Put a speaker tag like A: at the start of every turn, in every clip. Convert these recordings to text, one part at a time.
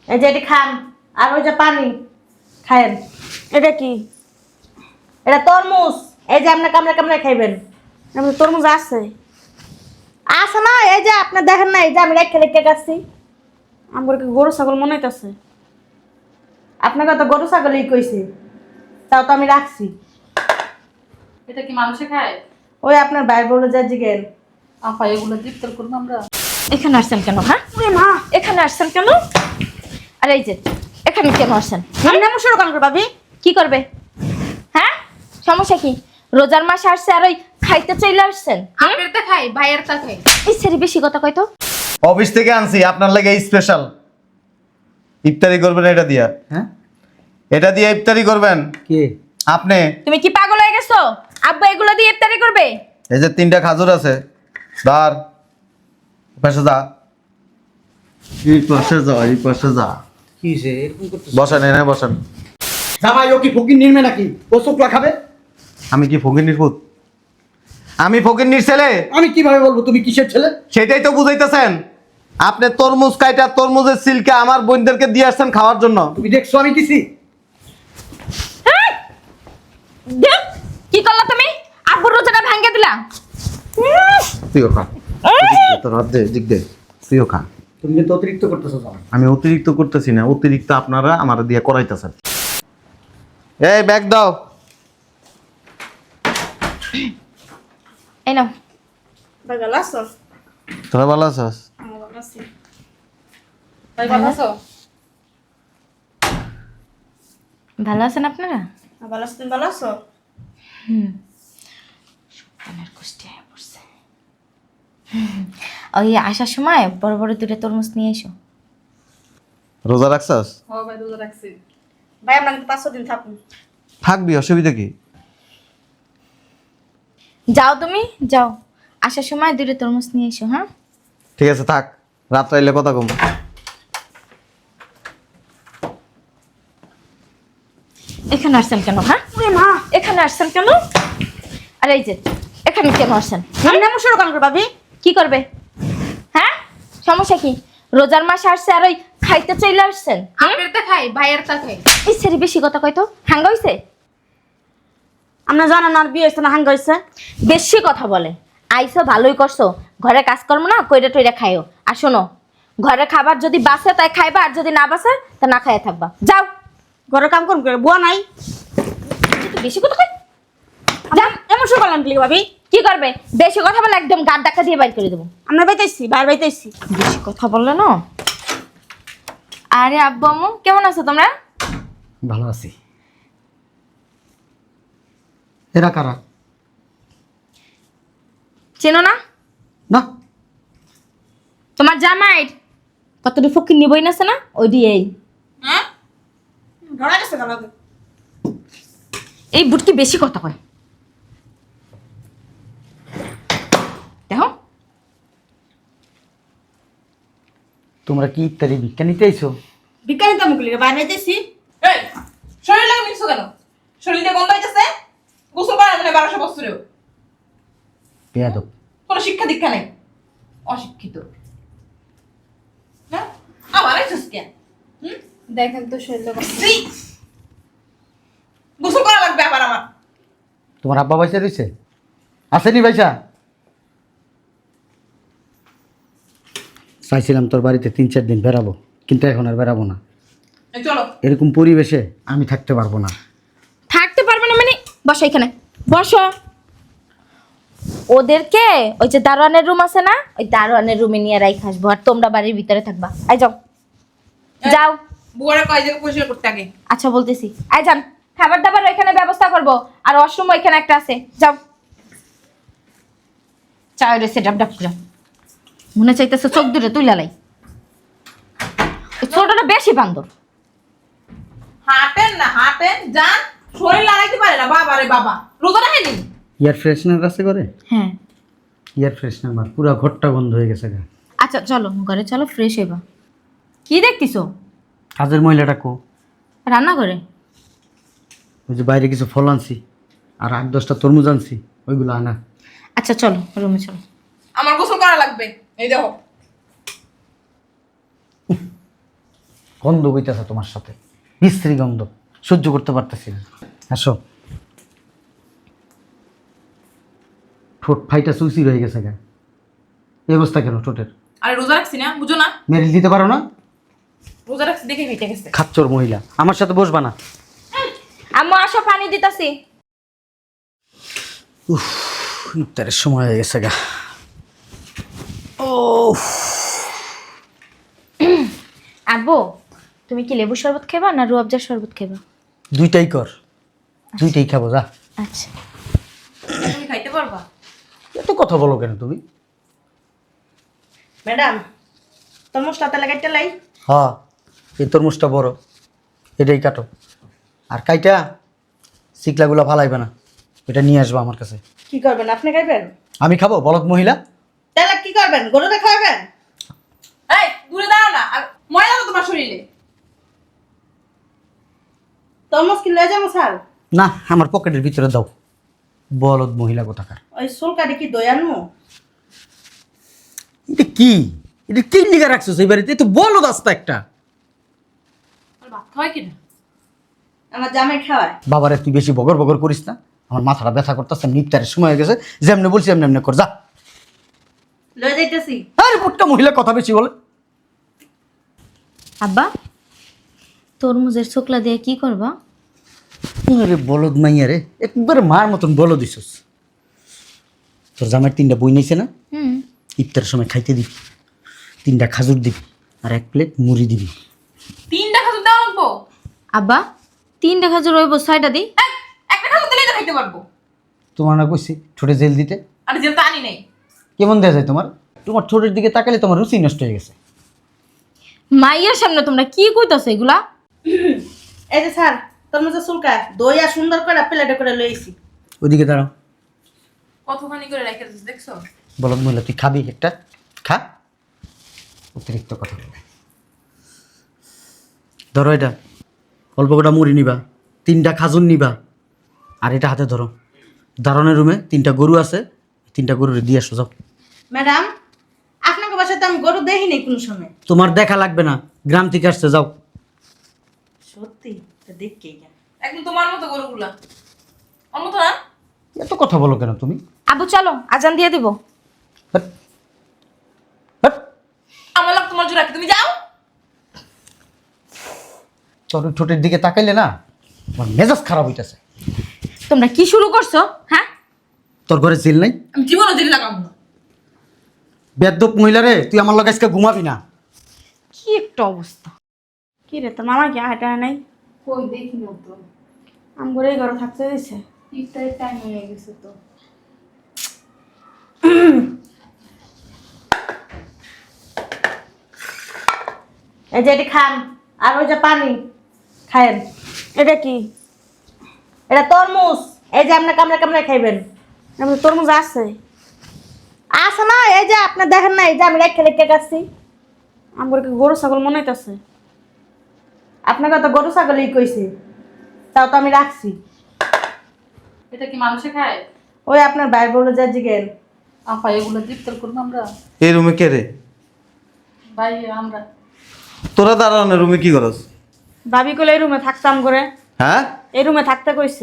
A: এই যে এটি খান, আর ওই যে পানি খায়েন।
B: এটা কি?
A: এটা তরমুজ, এই যে আপনি কামড়ে কামড়ে খাইবেন।
B: আমার তরমুজ আছে।
A: আছে না, এই যে আপনি দেখেন না, এই যে আমি রেখে রেখে খাচ্ছি।
B: আমার কি গরু ছাগল মনে হইতাছে?
A: আপনাকে তো গরু ছাগলই কইছি, তাও তো আমি রাখছি।
C: এটা কি মানুষে খায়?
A: ওই আপনার ভাই বলে যা জিগেন।
C: আপা এগুলো ইফতার করবো আমরা?
D: এখানে আসছেন কেন? হ্যাঁ
B: ওরে মা,
D: এখানে আসছেন কেন? আর এই যে এখানে কেন আসছেন?
B: আমি এমন শুরু কেন করে ভাবি?
D: কি করবে? হ্যাঁ, সমস্যা কি? রোজার মাস আসছে আর ওই খাইতে চাইলে আসছেন?
C: আপনার তা খাই, ভাইয়ের তা খাই।
D: এই ছেড়ে বেশি কথা কয় তো।
E: অফিস থেকে আনছি আপনার লাগে স্পেশাল ইফতারি করবেন এটা দিয়া।
F: হ্যাঁ
E: এটা দিয়ে ইফতারি করবেন
F: কে?
E: আপনি।
D: তুমি কি পাগল হয়ে গেছো? আব্বা এগুলো দিয়ে ইফতারি করবে?
E: এই যে 3টা খাজুর আছে, ধর পাশে যা, এই পাশে যা, এই পাশে যা।
F: কি হইছে এরকম করতেছ?
E: বসেন, এনে বসেন।
F: জামাই ও কি ফকির নির্মে নাকি? ও চোখলা খাবে?
E: আমি কি ফকিন্নির পুত? আমি ফকিন্নির ছেলে?
F: আমি কিভাবে বলবো তুমি কিসের ছেলে?
E: সেটাই তো বুঝাইতেছেন। আপনি তরমুজ কাইটা তরমুজের সিল্কে আমার বোনদেরকে দিয়ে আসছেন খাওয়ার জন্য।
F: তুমি দেখছো আমি দিছি?
D: দেখ, কি করলা তুমি? আব্বুর রোজাটা ভাঙিয়ে দিলা।
E: তুইও খা, তোর হাত দে, দিক দে, তুইও খা।
F: তুমি কিন্তু অতিরিক্ত করতেছো জামাই।
E: আমি অতিরিক্ত করতেছি না, অতিরিক্ত আপনারা আমার দিয়ে করাইতেছেন। এই ব্যাগ দাও।
D: এই নাও।
B: ভাই ভালো আছো?
E: তোরা ভালো আছিস?
B: আমার ভালো আছি।
C: ভাই ভালো আছো?
D: ভালো আছেন আপনারা?
B: ভালো আছো, তুমি ভালো আছো?
D: কানের কুষ্টি হয়ে পড়ছে। ওই আসার সময় বড় বড় দুটো তরমুজ নিয়ে এসো।
E: রোজা রাখছাস?
C: ও ভাই রোজা রাখছি।
B: ভাই আমরা কিন্তু 5 দিন থাকুন।
E: থাকবি, অসুবিধা কি?
D: যাও তুমি যাও, আসার সময় দুটো তরমুজ নিয়ে এসো। হ্যাঁ
E: ঠিক আছে থাক, রাত্রে এলে কথা কম।
D: এখানে আসছেন কেন? হ্যাঁ
B: ওরে মা,
D: এখানে আসছেন কেন? আর এই যে এখানে কেন আসছেন?
B: আমি এমন শুরু কেন করে ভাবি?
D: কি করবে? হ্যাঁ, সমস্যা কি? রোজার মাস আসছে আর ওই খাইতে চাইলে আসছেন?
C: আপনার তা খাই, ভাইয়ের তা খাই।
D: এই ছেড়ে বেশি কথা কয় তো। হাঙ্গা হইছে?
B: আমরা জানা না, আর বিয়ে হয়েছে না, হাঙ্গা হয়েছে।
D: বেশি কথা বলে। আইসো ভালোই করছো, ঘরে কাজকর্ম না কইরা টইরা খাইও। আর শোনো, ঘরে খাবার যদি বাঁচে তাই খাইবা, আর যদি না বাঁচে তা না খাইয়া থাকবা। যাও।
B: ঘরের কাম করুন করে, বুয়া নাই।
D: তুই বেশি কথা কয়।
B: যা, এমন শুরু করলাম কি ভাবি?
D: কি করবে? বেশি কথা বলে একদম গাড় ডাকা দিয়ে বাইর করে দেবো।
B: আমরা বাইতেছি, বাইরে বাইতেছি।
D: বেশি কথা বললে না। আরে আব্বু আম্মু কেমন আছো তোমরা?
F: ভালো আছি। এরা কারা?
D: চেনো না?
F: না।
D: তোমার জামাই কতটি ফকির নিবই না না ওই দিয়েই।
B: হ্যাঁ, ধরা গেছে গালাতে।
D: এই বুটকি বেশি কথা কয়। দেখো
F: তোমরা কি ইত্যাদি ভিক্ষা নিতে আইছো?
B: বিজ্ঞানী তো মুখলি বাইরে বাইতেছি।
C: এই শরীর লাগে মিশছো কেন? শরীর দিয়ে গন্ধ হইতেছে। গোসল করা মানে 1200 বছরেও
F: বেয়াদব।
C: কোনো শিক্ষা দীক্ষা নেই, অশিক্ষিত। হ্যাঁ আমার আইছস কেন?
B: দেখেন তো শরীর
C: গোসল করা লাগবে আবার আমার।
F: তোমার আব্বা পয়সা রয়েছে? আসেনি পয়সা? চাইছিলাম তোর বাড়িতে 3-4 দিন বেরাবো, কিন্তু এখন আর বেরাবো না।
C: এই চলো।
F: এরকম পরিবেশে আমি থাকতে পারবো না।
D: থাকতে পারবে না মানে? বসো এখানে, বসো। ওদেরকে ওই যে দারোয়ানের রুম আছে না, ওই দারোয়ানের রুমে নিয়ে রাইখ আসবো, আর তোমরা বাড়ির ভিতরে থাকবা। আই যাও, যাও।
C: বুয়ারে কয় জায়গা পরিষ্কার করতে আগে।
D: আচ্ছা বলতেছি, আই যান। খাবার দাবার ওইখানে ব্যবস্থা করবো, আর ওয়াশরুম ওইখানে একটা আছে, যাও। চাই রয়েছে ডাব ডাব করে। মনে চাইতেছে চোখ দূরে তুই লালাই। ছোটটা বেশি বান্দর।
C: হাঁটেন না, হাঁটেন যান। শরীর লাগাইতে পারে না বাবা রে বাবা। রোজা রাখেনি?
F: ইয়ার ফ্রেশনার আছে করে?
D: হ্যাঁ।
F: ইয়ার ফ্রেশনার মার পুরো ঘরটা বন্ধ হয়ে গেছে গা।
D: আচ্ছা চলো ঘরে, চলো ফ্রেশ হইবা। কি দেখতেছো?
F: কাজের মহিলাটা কো?
D: রান্না করে।
F: ওই যে বাইরে কিছু ফল আনছি আর 8-10টা তরমুজ আনছি, ওইগুলো আনা।
D: আচ্ছা চলো রুমে চলো।
C: আমার গোসল করা লাগবে। এই দেখো
F: গন্ধ বইতেছে তোমার সাথে, বিশ্রী গন্ধ, সহ্য করতে পারতেছি না। আসো। ঠোঁট ফাইটা সুইসি রয়ে গেছে গা, এই অবস্থা কেন ঠোঁটের?
C: আরে রোজা রাখছি না, বুঝো না?
F: মেরিল দিতে পারো না?
C: রোজা রাখছি দেখে ফেটে গেছে।
F: খাচ্চর মহিলা, আমার সাথে বসবা না।
D: আম্মু আসো, পানি দিতাছি।
F: ইফতারের সময় হয়ে গেছে গা। ও
D: আব্বু, তুমি কি লেবু শরবত খাবা না রুয়াবজার শরবত খাবা?
F: দুইটাই কর, দুইটাই খাবো যা।
D: আচ্ছা।
C: তুমি খাইতে পারবা?
F: এত কথা বলো কেন তুমি?
A: ম্যাডাম তরমুজটা তাহলে কাটতে লাই।
F: হ্যাঁ, এই তরমুজটা বড়, এটাই কাটো। আর কাইটা শিকলাগুলো ফালাইবে না, এটা নিয়ে আসবা আমার কাছে।
A: কি করবেন আপনি খাইবেন?
F: আমি খাবো বলদ মহিলা?
A: তাহলে কি করবেন, গরুটা খাওয়াবেন?
C: এই দূরে দাঁড়াও না, আর ময়লা তো তোমার শরীরে।
A: তরমুজ কি লয়ে যাবো স্যার?
F: না, আমার পকেটের ভিতরে দাও। বলদ মহিলা কোথাকার।
A: ওই চুলকাটি কি দই আনবো?
F: এটা কি, এটা কি লিখে রাখছো সেই বাড়িতে? এ তো বলদ আস্তা একটা।
C: আর ভাত খাওয়াই কিনা?
A: আমার জামাই খাওয়ায়।
F: বাবারে তুই বেশি বগর বগর করিস না, আমার মাথাটা ব্যথা করতেছে। ইফতারের সময় হয়ে গেছে, যেমনি বলছি এমনি এমনি কর যা।
A: লয়ে যাইতেছি।
F: আরে পুটকা মহিলা কথা বেশি বলে।
D: আব্বা, তরমুজের ছোকলা দিয়ে কি করবা?
F: আরে বলদ মাইয়া রে, একবারে মার মতন বলো দিছস। তোর জামাই 3টা বই নিয়েছে না,
D: হুম।
F: ইফতারের সময় খাইতে দিবি। 3টা খাজুর দিবি আর 1 প্লেট মুড়ি দিবি।
C: 3টা খাজুর দেওয়া লাগবো?
D: আব্বা, 3টা খাজুর হইব, 6টা দিই।
C: এই, একটা খাজুর দিলেই তো খাইতে পারবো।
F: তোমার না কইছি ঠোঁটে জেল দিতে?
C: আর জেল তো আনি নেই।
F: কেমন দেয়া যায় তোমার? তোমার ঠোঁটের দিকে তাকালে তোমার রুচি নষ্ট হয়ে গেছে।
D: মাইয়ার সামনে তোমরা কি কইতাছো এগুলা?
A: এই যে স্যার তরমুজের চুলকা দই আর সুন্দর করে প্লেটে করে লইছি।
F: ওইদিকে দাঁড়াও।
C: কতখানি করে রেখে দিচ্ছিস দেখছো?
F: বলদ মহিলা, তুই খাবি একটা? খা, অতিরিক্ত কথা বলে। ধরো এটা, অল্প কটা মুড়ি নিবা, 3টা খাজুর নিবা, আর এটা হাতে ধরো। দারণের রুমে 3টা গরু আছে, 3টা গরুরে দিয়ে আসো যাও।
A: ম্যাডাম আপনাকে বাসাতে আমি গরু দেখিনি কোনো সময়।
F: তোমার দেখা লাগবে না, গ্রাম থেকে আসছে, যাও।
A: সত্যি তো দেখকেই গেল।
C: একদম তোমার মতো গরুগুলা। আমার মতো না?
F: এত কথা বলো কেন তুমি?
D: আব্বু চলো, আজান দিয়ে দিব।
F: হট, হট।
C: আমার লাগ তোমার জোড়া কি, তুমি যাও।
F: তোর ওই ঠোঁটের দিকে তাকাইলে না আমার মেজাজ খারাপ হইতেছে।
D: তোমরা কি শুরু করছো? হ্যাঁ,
F: তোর ঘরে জেল নাই?
C: আমি জীবনও জেলে লাগাবো না।
F: বেদ্যপ মহিলা রে, তুই আমার লগে আজকে ঘুমাবি না।
B: কি একটা অবস্থা! কি রে, তোর মামা কি হাঁটা নাই?
G: কই দেখি না তো,
B: আম করে ঘরে থাকতে দিছে।
G: ইফতারের টাইম হয়ে গেছে তো।
A: এই যে এটি খান আর ওই যে পানি খায়েন।
B: এটা কি?
A: এটা তরমুজ, এই যে আপনি কামড়ে কামড়ে খাইবেন।
B: এমন তরমুজ আছে?
A: আছে না, এই যে আপনি দেখেন না, এই যে আমি রেখে রেখে গেছি।
B: আমার কি গরু ছাগল মনে হইতাছে?
A: আপনাকে তো গরু ছাগলই কইছে, তাও তো আমি রাখছি।
G: এটা কি মানুষে খায়?
A: ওই আপনার ভাই বলে যা জিগেন।
G: আপা এগুলো ইফতার করবো আমরা?
E: এই রুমে কে রে?
G: ভাই আমরা।
E: তোরা দাঁড়ানো রুমে কি করস?
B: ভাবি কইলে এই রুমে থাকতাম করে।
E: হ্যাঁ,
B: এই রুমে থাকতে কইছে।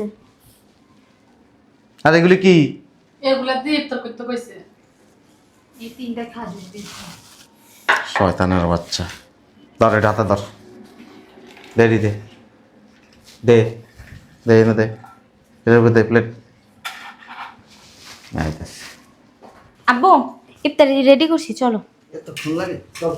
E: আর এগুলি কি?
G: এগুলা দিয়ে ইফতার করতে কইছে। এই 3টা খাজুর দিয়েছে।
E: শয়তানের বাচ্চা। ধর এটা হাতে ধর, দেরি দে দে দে এনে দে, এর উপর দে প্লেট।
D: আব্বু ইফতারি রেডি করছি, চলো।
F: এত ফোন লাগে, চল।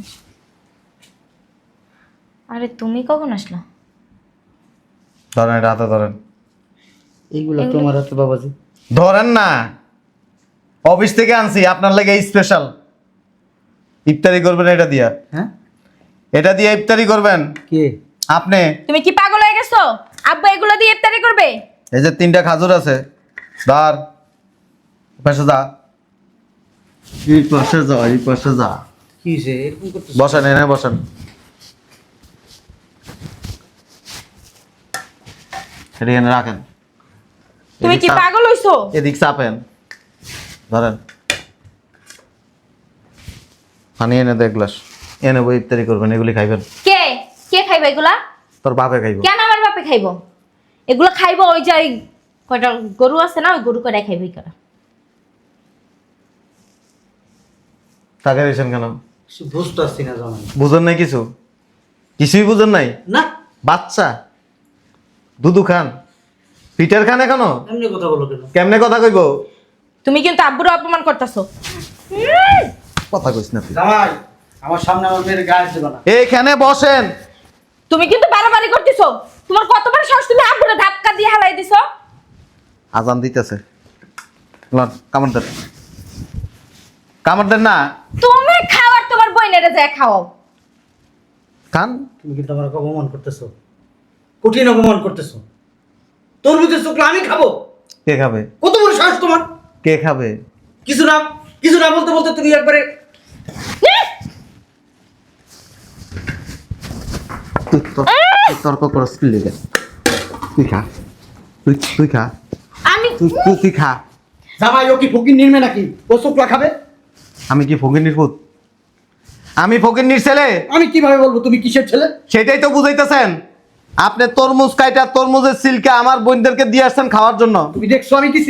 D: আরে তুমি কখন আসলা?
E: ধরেন এটা হাতে ধরেন।
F: এইগুলা তোমার হাতে বাবাজি।
E: ধরেন না, অফিস থেকে আনছি আপনার লাগে স্পেশাল। ইফতারি করবেন এটা দিয়া।
F: হ্যাঁ,
E: এটা দিয়ে ইফতারি করবেন
F: কে?
E: আপনি।
D: তুমি কি পাগল হয়ে গেছো? আব্বু এগুলো দিয়ে ইফতারি করবে?
E: এই যে 3টা খাজুর আছে, ধর পাশে যা, এই পাশে যা, এই পাশে যা।
F: কি হইছে এরকম করতেছ?
E: বসেন, এনে বসেন। এটা এনে রাখেন।
B: তুমি কি পাগল হইছো?
E: এদিক চাপেন, ধরেন। পানি এনে দে এক গ্লাস, এনে বই ইফতারি করবেন, এগুলি খাইবেন।
D: কে? খাইবো এগুলা?
E: তোর বাপে খাইব।
D: কেন আমার বাপে খাইবো? এগুলো খাইবো ওই যে ওই কয়টা গরু আছে না, ওই গরু কয়টা খাইবো এই করা।
E: টাকা দিয়েছেন কেন?
F: বুঝতে পারছি না জামাই।
E: বুঝেন নাই কিছু? কিছুই বুঝেন নাই?
F: না,
E: বাচ্চা দুধু খান, পিটার খান এখনো?
F: এমনি কথা বলো কেন?
E: কেমনে কথা কইব?
D: তুমি কিন্তু আব্বুর অপমান করতেছো।
E: কথা কইস না তুই।
F: জামাই, আমার সামনে আমার মেয়ের গায়ে দেবে না।
E: এইখানে বসেন।
D: তুমি কিন্তু বাড়াবাড়ি করতেছো। তোমার কতবার সাহস, তুমি আব্বুরে ধাক্কা দিয়ে হালাই দিছো।
E: আজান দিতেছে, কামড় দেন, কামড় দেন না।
D: তুমি খাওয়ার তোমার বইনেরে যায় খাওয়াও।
E: খান।
F: তুমি কিন্তু আমার অপমান করতেছো, কঠিন অপমান করতেছো। তরমুজের চোখলা আমি খাবো?
E: কে খাবে?
F: কত বড় সাহস তোমার!
E: কে খাবে?
F: কিছু না বলতে বলতে তুমি একবারে
E: তর্ক করস কি লেগে? তুই খা, তুই খা,
D: আমি
E: তুই খা।
F: জামাই ও কি ফকির নির্মে নাকি ও চোখলা খাবে?
E: আমি কি ফকিন্নির পুত? আমি ফকিন্নির ছেলে?
F: আমি কিভাবে বলবো তুমি কিসের ছেলে?
E: সেটাই তো বুঝাইতেছেন। আপনি তরমুজ কাইটা তরমুজের সিল্কে আমার বোনদেরকে দিয়ে আসছেন খাওয়ার জন্য।
F: তুমি দেখছো আমি দিছি?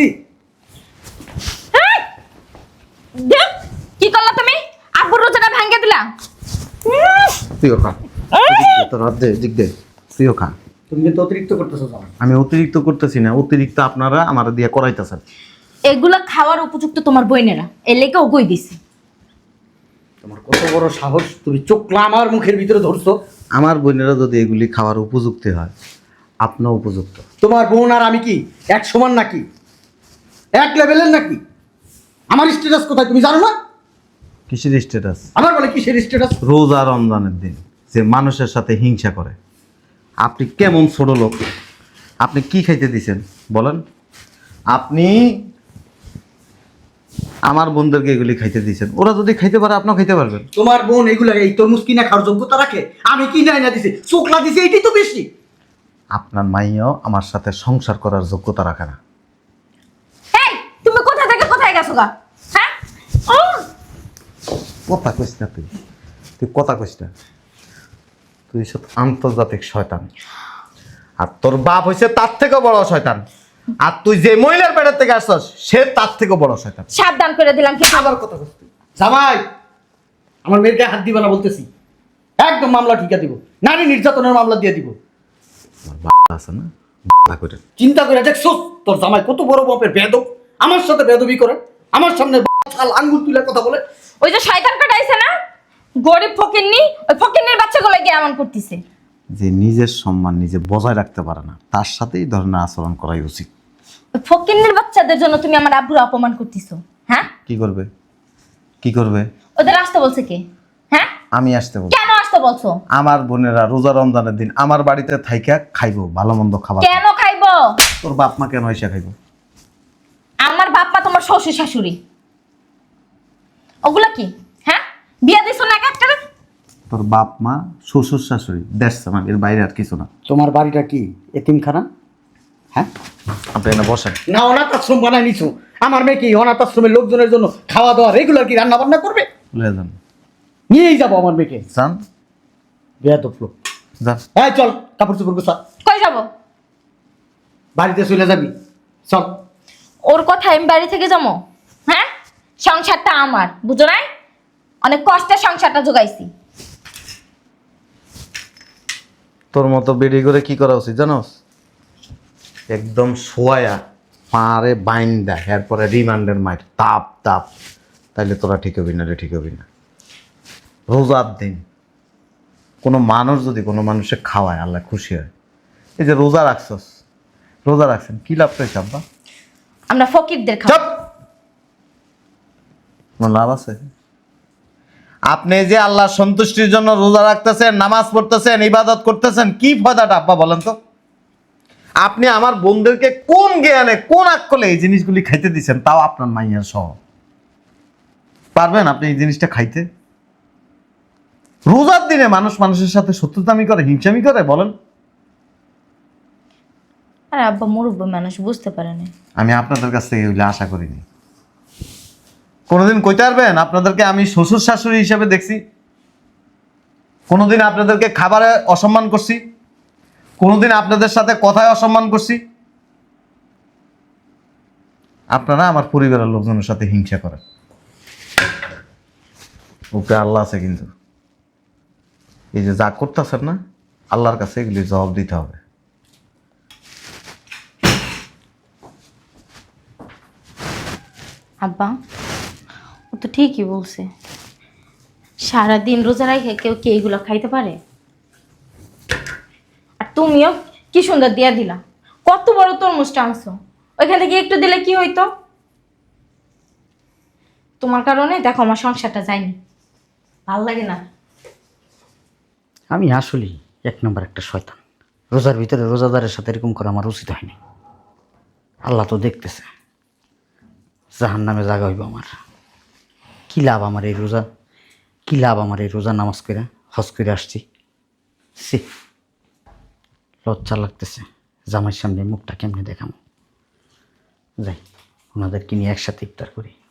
D: দেখ, কি করলা তুমি? আব্বুর রোজাটা ভাঙিয়ে দিলা।
E: তুইও খা, তোর হাত দে, দিক দে, তুইও খা।
F: তুমি কিন্তু অতিরিক্ত করতেছো জামাই।
E: আমি অতিরিক্ত করতেছি না, অতিরিক্ত আপনারা আমার দিয়ে করাইতেছেন।
D: এগুলা খাওয়ার উপযুক্ত তোমার বইনেরা, এর লেগে ওগই দিছি।
F: তোমার কত বড় সাহস, তুমি চোখলা আমার মুখের ভিতরে ধরছো।
E: আমার বোনেরা যদি এগুলি খাওয়ার উপযুক্ত হয়, আপনিও উপযুক্ত।
F: তোমার বোন আর আমি কি এক সমান নাকি, এক লেভেলের নাকি? আমার স্ট্যাটাস কোথায় তুমি জানো না?
E: কিসের স্ট্যাটাস?
F: আমার বলে কিসের স্ট্যাটাস?
E: রোজা রমজানের দিন যে মানুষের সাথে হিংসা করে। আপনি কেমন ছোট লোক? আপনি কি খাইতে দিছেন বলেন? আপনি আমার বোনদেরকে এগুলি খাইতে দিয়েছেন, ওরা যদি খাইতে পারে আপনিও খাইতে পারবেন।
F: তোমার বোন এগুলা এই তরমুজ কিনা খাওয়ার যোগ্যতা রাখে? আমি কি নাই না দিছি, চোখলা দিছি, এইটাই তো বেশি।
E: আপনার মাইয়াও আমার সাথে সংসার করার যোগ্যতা রাখে না।
D: এই তুমি কোথা থেকে কোথায় গেছো গা? হ্যাঁ
E: কথা কইস না তুই, তুই কথা কইস না। তুই সব আন্তর্জাতিক শয়তান, আর তোর বাপ হইছে তার থেকে বড় শয়তান, আর তুই যে মহিলার পেটের থেকে আসছস সে তার থেকে বড় শয়তান।
D: সাবধান করে দিলাম কি
F: আবার কথা বলছি জামাই, আমার মেয়ের গায়ে হাত দিবা না বলতেছি, একদম মামলা ঠিকা দিব, নারী নির্যাতনের মামলা দিয়ে দিব।
E: আমার বাবা আছে না, বাবা করে
F: চিন্তা করে দেখছো তোর জামাই কত বড় বাপের বেদব, আমার সাথে বেদবি করে, আমার সামনে ছাল আঙ্গুল তুলে কথা বলে।
D: ওই যে শয়তান কাটাইছে না, গরিব ফকিন্নি, ওই ফকিন্নির বাচ্চাগুলো গিয়ে এমন করতেছে।
E: যে নিজের সম্মান নিজে বজায় রাখতে পারে না তার সাথেই ধরনের আচরণ করাই উচিত।
D: ওই ফকিন্নির বাচ্চাদের জন্য তুমি আমার আব্বুর অপমান করতেছো। হ্যাঁ,
E: কি করবে? কি করবে?
D: ওদের আসতে বলছে কে? হ্যাঁ,
E: আমি আসতে বলবো।
D: কেন আসতে বলছো?
E: আমার বোনেরা রোজা রমজানের দিন আমার বাড়িতে থাইকা খাইবো ভালো মন্দ খাবার।
D: কেন খাইবো?
E: তোর বাপ মা কেন এসে খাইবো?
D: আমার বাপ্পা তোমার শ্বশুর শাশুড়ি, ওগুলা কি? হ্যাঁ, বিয়া দিছো না একটা?
E: তোর বাপ মা শ্বশুর শাশুড়ি দেখছ না, এর বাইরে আর কিছু না।
F: তোমার বাড়িটা কি এতিমখানা? হ্যাঁ,
E: আপনি এনে বসেন।
F: না অনাথ আশ্রম বানায় নিছো? আমার মেয়ে কি অনাথ আশ্রমের লোকজনের জন্য খাওয়া দাওয়া রেগুলার কি রান্না বান্না করবে?
E: লয়ে যান,
F: নিয়েই যাবো আমার মেয়েকে।
E: যান
F: বেয়াদব লোক।
E: যান।
F: হ্যাঁ চল, কাপড় চোপড় গোছা,
D: কই যাবো?
F: বাড়িতে চলে যাবি, চল।
D: ওর কথা আমি বাড়ি থেকে যাবো? হ্যাঁ, সংসারটা আমার, বুঝো না? অনেক কষ্টে সংসারটা জোগাইছি।
E: তোর মতো বেড়ি করে কি করা উচিত জানোস? একদম শোয়া পারে বাইন্দা এরপরে রিমান্ডের মাইর তাপ তাপ, তাইলে তোরা ঠিক হবি না রে, ঠিক হবি না। রোজার দিন কোনো মানুষ যদি কোনো মানুষে খাওয়ায় আল্লাহ খুশি হয়। এই যে রোজা রাখছস, রোজা রাখছেন কি লাভ পেয়েছে আব্বা?
D: আমরা ফকিরদের খাবো।
E: চুপ! কোনো লাভ আছে? আপনি যে আল্লাহ সন্তুষ্টির জন্য রোজা রাখতেছেন, নামাজ পড়তেছেন, ইবাদত করতেছেন, কি ফায়দাটা আব্বা বলেন তো? আপনি আমার বোনদেরকে কোন জ্ঞানে কোন আকলে এই জিনিসগুলি খাইতে দিচ্ছেন, তাও আপনার মাইয়ার সহ? পারবেন আপনি এই জিনিসটা খাইতে? রোজার দিনে মানুষ মানুষের সাথে শত্রুতামি করে, হিংসামি করে, বলেন?
D: আরে আব্বা মুরব্বী মানুষ, বুঝতে পারে না।
E: আমি আপনাদের কাছ থেকে এগুলি আশা করিনি। কোনোদিন কইতে পারবেন আপনাদেরকে আমি শ্বশুর শাশুড়ি হিসেবে দেখছি? কোনোদিন আপনাদেরকে খাবারে অসম্মান করছি? কোনোদিন আপনাদের সাথে কথায় অসম্মান করছি? আপনারা আমার পরিবারের লোকজনের সাথে হিংসা করেন। উপরে আল্লাহ আছে, কিন্তু এই যে যা করতেছেন না, আল্লাহর কাছে এগুলি জবাব দিতে হবে।
D: আব্বা, ও তো ঠিকই বলছে। সারাদিন রোজা রাখে কেউ কি এইগুলো খাইতে পারে? আর তুমিও কি সুন্দর দিয়া দিলা, কত বড় তরমুজটা আনছো, ওইখান থেকে একটু দিলে কি হইতো? তোমার কারণে দেখো আমার সংসারটা যায়নি, ভাল লাগে না।
F: আমি আসলেই 1 নম্বর একটা শয়তান। রোজার ভিতরে রোজাদারের সাথে এরকম করা আমার উচিত হয়নি। আল্লাহ তো দেখতেছে, জাহান্নামে জায়গা হইব আমার। কী লাভ আমার এই রোজা, কী লাভ আমার এই রোজা নামাজ করে হজ করে আসছি। সি, লজ্জা লাগতেছে। জামাইয়ের সামনে মুখটা কেমনে দেখাবো। যাই, ওনাদেরকে নিয়ে একসাথে ইফতার করি।